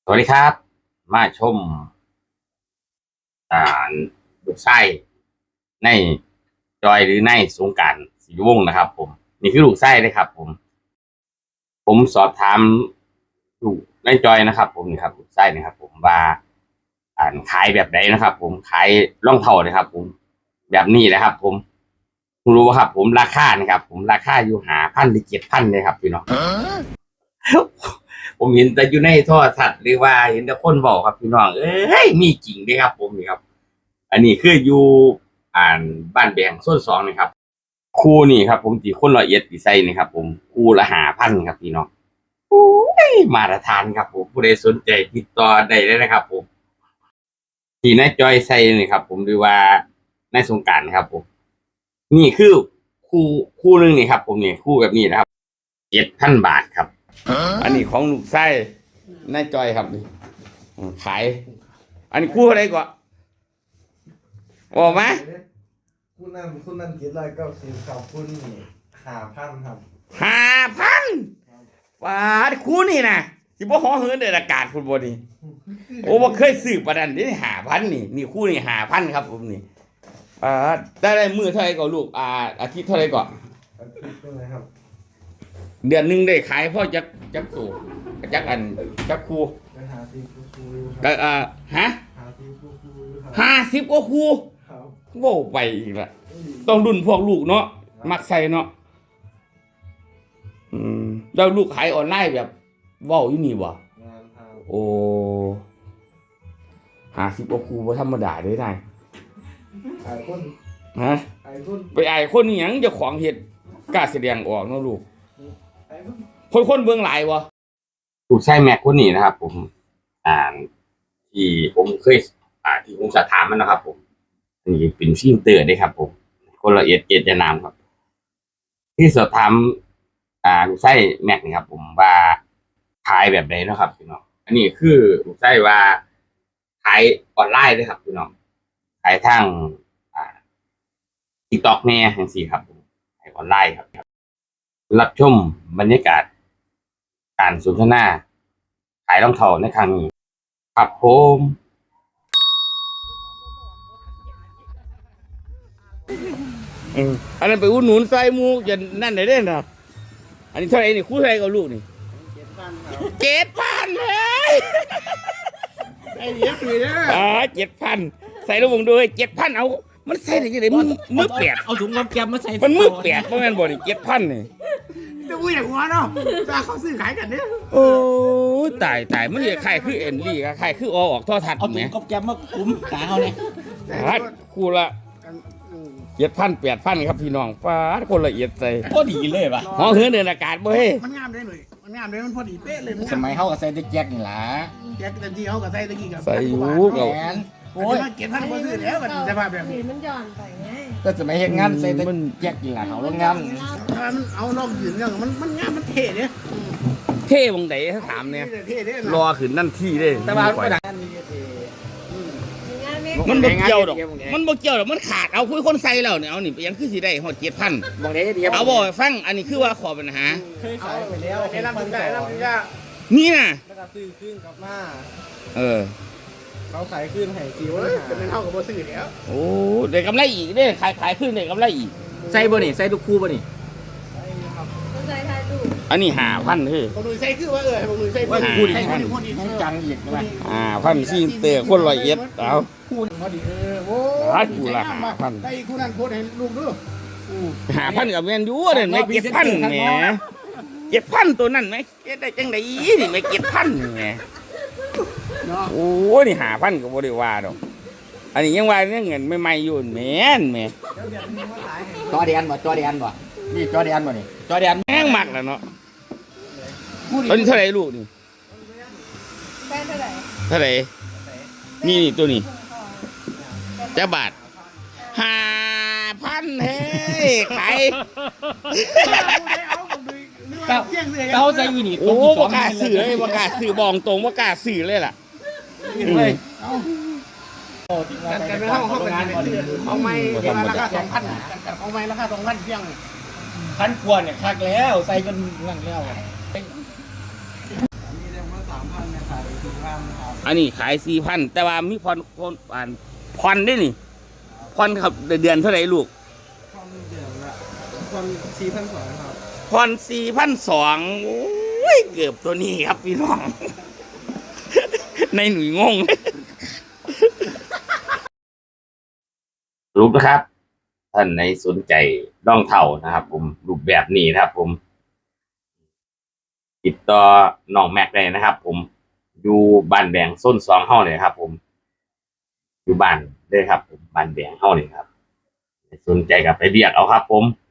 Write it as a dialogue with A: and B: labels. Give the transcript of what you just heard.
A: สวัสดีครับมาชมอ่าลูกไส้ในจอยหรือในสงกรานต์ศรีวงศ์นะครับผมนี่คือลูกไส้เลยครับผมสอบถามลูกในจอยนะครับผมนี่ครับลูกไส้นะครับผมว่าขายแบบไหนนะครับผมขายรองเท้านะครับผมแบบนี้นะครับผมรู้ว่าครับผมราคานะครับผมราคาอยู่5,000 หรือ 7,000เลยครับพี่น้อง ผมเห็นแต่อยู่ในโทรทัศน์หรือว่าเห็นแต่คนบอกครับพี่น้องเอ้ยมีจริงด้วยครับผมนี่ครับอันนี้คืออยู่บ้านแบงส้นสองนะครับคู่นี่ครับผมตีคน100ดีไซน์นี่ครับผมคู่ละ5,000ครับพี่น้องโอ้ยมาตรฐานครับผมผู้ใดสนใจติดต่อได้เลยนะครับผมที่นายจอยใส่นี่ครับผมหรือว่าในสงกรานต์ครับผมนี่คือคู่หนึงนี่ครับผมนี่คู่แบบนี้นะครับ7,000 บาทครับอันนี้ของลูกไส้นายจอยครับนี่ขายอันนี้คู่อะไรก่อนบอกมา
B: คุณนั่น790ครับคุณนี่5,000ครับ
A: 5,000บาทคู่นี่นะสิบ่ฮ้อเหินเดือดอากาศคุณบ่นี่โอ้บ่เคยซื้อปานนั้นนี่5,000นี่คู่นี่5,000ครับผมนี่ได้มือเท่าไหร่ก่อนลูกอาทิตย์เท่าไหร่ก่อน
B: อาทิตย์นึงนะครับ
A: เดือนนึงได้ขายพ่อจักตัวจักอันจักคู่
B: ไปหาซีคู
A: ก็ฮะ
B: หาซีคู
A: 50กว่าคู่
B: ครับ
A: โว้ไปอีกละต้องรุ่นพวกลูกเนาะมักใส่เนาะแล้วลูกขายออนไลน์แบบเว้าอยู่นี่บ่
B: งานทาง
A: โอ้50กว่าคู่บ่ธรรมดาเด้นาย
B: ไอ้คน
A: ฮะ
B: ไอ้คน
A: ไปอายคนนี่หยังเจ้าของเฮ็ดกล้าแสดงออกเนาะลูก
B: ไอ้คน
A: คนเบิ่งหลายบ่ลูกชายแม็กคนนี้นะครับผมอ่าที่ผมเคยที่ผมสอบถามมันนะครับผมนี่เป็นฟิล์มเตอร์ได้ครับผมคนละเอียดจะนามครับที่สอบถามลูกไส้แม็กนี่ครับผมว่าขายแบบไหนนะครับพี่น้องอันนี้คือลูกไส้ว่าขายออนไลน์ด้วยครับพี่น้องขายทางTikTok แน่จังซี่ครับผมขายออนไลน์ครับรับชมบรรยากาศการสนทนาขายรองเท้าในครั้งนี้ครับผมอันนั้นไปอุดหนุนใส่หมูจะนั่นไหนได้นะอันนี้เท่าไหร่นี่คู่เท่าไหร่กับลูกนี่7,000เลย
B: ไอ้เลี้ยงอยู่นะ
A: 7,000ใส่ลูกวงด้วย7,000เอามันใส่ได้ยังไงมือเปียก
C: เอาถุงกับแกมมาใส่
A: มันมือเปียกเพราะงั้นบ่นี่7,000นี่
B: จะพูดอย่างหัวเนาะจะเขาซื้อขายกันเนี่ย
A: โอ้ตายมันจะขายคือเอ็นลี่ขายคือออกท่อทัด
C: เอาถุงกับแกมมาคุ้มขาเขาเนี่ย
A: คู่ละ7,000 8,000ครับพี่น้องฟ้าคนละเอียดใส่
C: ก็ดีเลยป่ะ
A: ห้องเฮือนเดินอากาศบ่เฮ้
B: มันงามได้เลยมันงามเลยมันพอดีเป๊ะเลย
C: สมัยเขากับใส่แจ็คนี่ล่ะ
B: แจ็คแต่ที่เขากับใส่ตะกี้กับ
A: ใส่อยู่กับ
B: โอ้ย7,000บ่ซื้อแล้วมันจะมาแบบนี้
D: มันย้อนไปไง
C: ก็สมัยเฮ็ดงานใส่แจ็คนี่ล่ะเขาโรงงาน
B: มันเอานอกยืนเนี่ยมันงามมันเท่เนี่ย
A: เท่บงไหนถ้าถามเนี่ยรอขึ้นนั่นที่ได้
C: แต่ว่า
A: มันบ่เกี่ยวดอกมันขาดเอาคุยคนใส่แล้วเนี่ยเอานี่ยังคือสิได้ฮอด7,000
C: บ่ได้เดียว
A: เอาบ่ฟังอันนี้คือว่าขอปัญหา
B: เคยขายไปแล้วให้รับได้
A: นี่น่ะ
B: แล้วก็ซื้อคืนกลับมาเขาขายคืนให้4ว่าจะเป็นเท่ากับบ่ซื้อแล้ว
A: โอ้ได้กำไรอีกเด้ขายคืนได้กำไรอีก
C: ใส่บ่นี่ใส่ทุกคู่บ่นี่
D: ใส่ทายดู
A: อันนี้5,000เฮ้ย
B: บ่หนุ่ยใส่คือว่าบ่หนุ่ยใส่
C: ว่าคู่นี่ให้จังอีกนะ
A: 5,000ซิเตอร์คน100เอ็ดเอา
B: คู่พอดีโอ้
A: คู่ละ5,000
B: ใส่คู่นั้นโพสให้ลูกดู
A: 5,000กับแม่นอยู่เด้ไม่7,000แหม7,000ตัวนั้นไหมได้จังได๋นี่ไม่7,000แหมโอ้นี่5,000ก็บ่ได้ว่าดอกอันนี้ยังว่าเงินใหม่ๆอยู่แม่นแหม
C: จอแดนบ่นี่จอแดนบ่นี่จอแดน
A: แม่งมักแล้วเนาะตอนนี้เท่าไหร่ลูกนี่
D: แป้งเท่าไห
A: ร่นี่ตัวนี้จะบาท5,000เฮ้ยขาย
C: เต้าใจอยู่นี่
A: โอ้บ่กล้าซื้อเลยบ่กล้าซื้อบอกตรงบ่กล้าซื้อเลยล่ะ
B: เลยกันไม่เท่าเขาเป็นของไม่ราคา2,000กันของไม่ราคา2,000เพียง
C: 1,000 กว่าเนี่ยคักแล้วใส่จนนั่งแล้ว
B: นี่เรียกว่า3,000 เนี่ยขาย4,000ครับ
A: อันนี้ขาย4,000แต่ว่ามีผ่อนได้นี่ผ่อนครับเดือนเท่าไหร่ลูก
B: ผ่อนเดือนละผ่อน4,200ครับ
A: ผ่อน4,200โอ้ยเกือบตัวนี้ครับพี่น้อง ในหนุ่ยงงรูปนะครับท่านในสนใจรองเท้านะครับ ผมรูปแบบนี้นะครับ ผม ติดต่อน้องแม็กได้นะครับ ผมอยู่บ้านแดงส้น2เฮาเลยครับ ผมอยู่บ้านเลยครับผมบ้านแดงเฮาเลยครับสนใจกับไปเรียกเอาครับ ผม